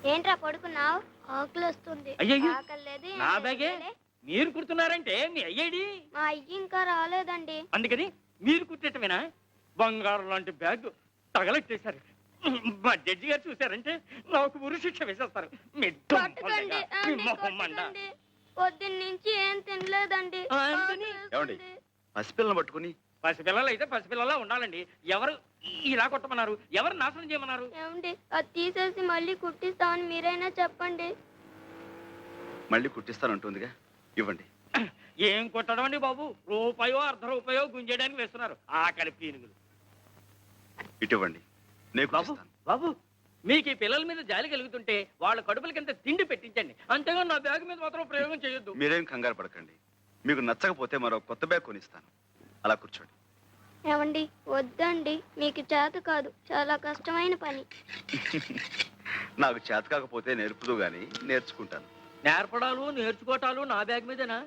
ఏంట్రా పడుకున్నావు? ఆకలి వస్తుంది. అయ్యయ్యో, ఆకలి లేదు, నా ఏం బ్యాగే లేదులే. మీరు కుడుతున్నారంటే మీ అయ్యేడి మా అయ్యి ఇంకా రాలేదండి. అందుకని మీరు కుట్టేటమేనా? బంగారం లాంటి బ్యాగ్ తగలెట్టేశారు. మా జడ్జి గారు చూశారంటే నాకు ఉరి శిక్ష వేసేస్తారు. మీ పట్టుకోండి, కొట్టుకోండి. పొద్దున్న నుంచి ఏం తినలేదండి. అందుకని ఏమండి పసిపిల్లని పట్టుకుని పసిపిల్లలు అయితే పసిపిల్లలా ఉండాలండి. ఎవరు ఇలా కొట్టమన్నారు? ఎవరు నాశనం చేయమన్నారు? ఏమండి అది తీసేసి మళ్ళీ కుట్టిస్తామని మీరైనా చెప్పండి. మళ్ళీ కుట్టిస్తానంటుందిగా, ఇవ్వండి. ఏం కొట్టడం అండి బాబు? రూపాయో అర్ధ రూపాయో గుంజేయడానికి వేస్తున్నారు ఆకలి పీనుగులు. ఇటువంటి నేను బాబు కుట్టిస్తాను. బాబు, మీకు ఈ పిల్లల మీద జాలి కలుగుతుంటే వాళ్ళ కడుపులకింత తిండి పెట్టించండి, అంతేగాని నా బ్యాగ్ మీద మాత్రం ప్రయోగం చేయొద్దు. మీరేం కంగారు పడకండి. మీకు నచ్చకపోతే మరో కొత్త బ్యాగ్ కొనిస్తాను. అలా కూర్చోండి. ఏమండి వద్దండి, మీకు చేత కాదు, చాలా కష్టమైన పని. నాకు చేత కాకపోతే నేర్పుదు గాని నేర్చుకుంటాను. నేర్పడాలు నేర్చుకోవటాలు నా బ్యాగ్ మీదేనా?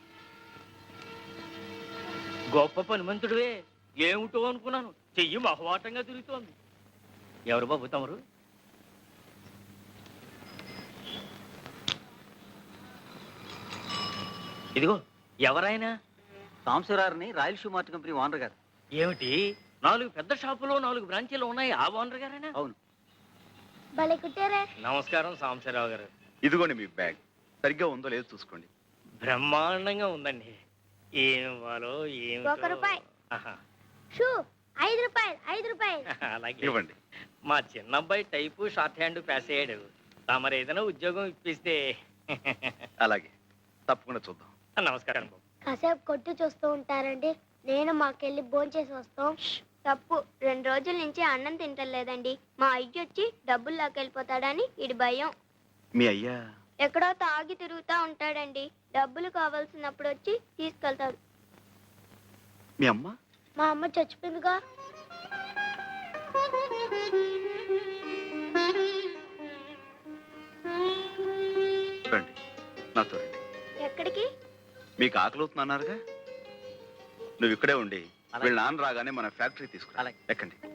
గొప్ప పనిమంతుడివే. ఏమిటో అనుకున్నాను, చెయ్యి మహవాటంగా తిరుగుతోంది. ఎవరు బాబు తమరు? ఇదిగో ఎవరైనా? సాంబశివరావుని royal shoe mart company owner గారు. ఏమిటి, 4 పెద్ద షాపులో 4 బ్రాంచీలు ఉన్నాయి, ఆ ఓనర్ గారేనా? అవును. భలే కుట్టారే. నమస్కారం సాంబశివరావు గారు. ఇదిగోండి మీ బ్యాగ్. సరిగ్గా ఉందో లేదో చూసుకోండి. బ్రహ్మాండంగా ఉందండి. ఏం ఇవ్వాలో ఏమిటో. 1 రూపాయి. ఆహా. షూ 5 రూపాయలు, 5 రూపాయలు. అలాగే. ఇవ్వండి. మా చిన్నబ్బాయి టైపు షార్ట్ హ్యాండ్ పాస్ అయ్యాడు. తమరు ఏదైనా ఉద్యోగం ఇప్పిస్తే. అలాగే, తప్పకుండా చూద్దాం. నమస్కారం బాబు. కాసేపు కొట్టు చూస్తూ ఉంటారండి, నేను మాకెళ్ళి భోంచేసి వస్తాం. తప్పు, 2 రోజుల నుంచి అన్నం తింటలేదండి. మా అయ్య వచ్చి డబ్బులు లాకెళ్ళిపోతాడని ఇడి భయం. మీ అయ్యా ఎక్కడో తాగి తిరుగుతా ఉంటాడండి. డబ్బులు కావాల్సినప్పుడు వచ్చి తీసుకెళ్తాడు. మీ అమ్మ మా అమ్మ చచ్చిపోయిందిగా. రండి, నాతో రండి. ఎక్కడికి? మీకు ఆకలి అవుతుందన్నారుగా, నువ్వు ఇక్కడే ఉండి వీళ్ళ నాన్న రాగానే మన ఫ్యాక్టరీ తీసుకురా. అలాగే. ఎక్కండి.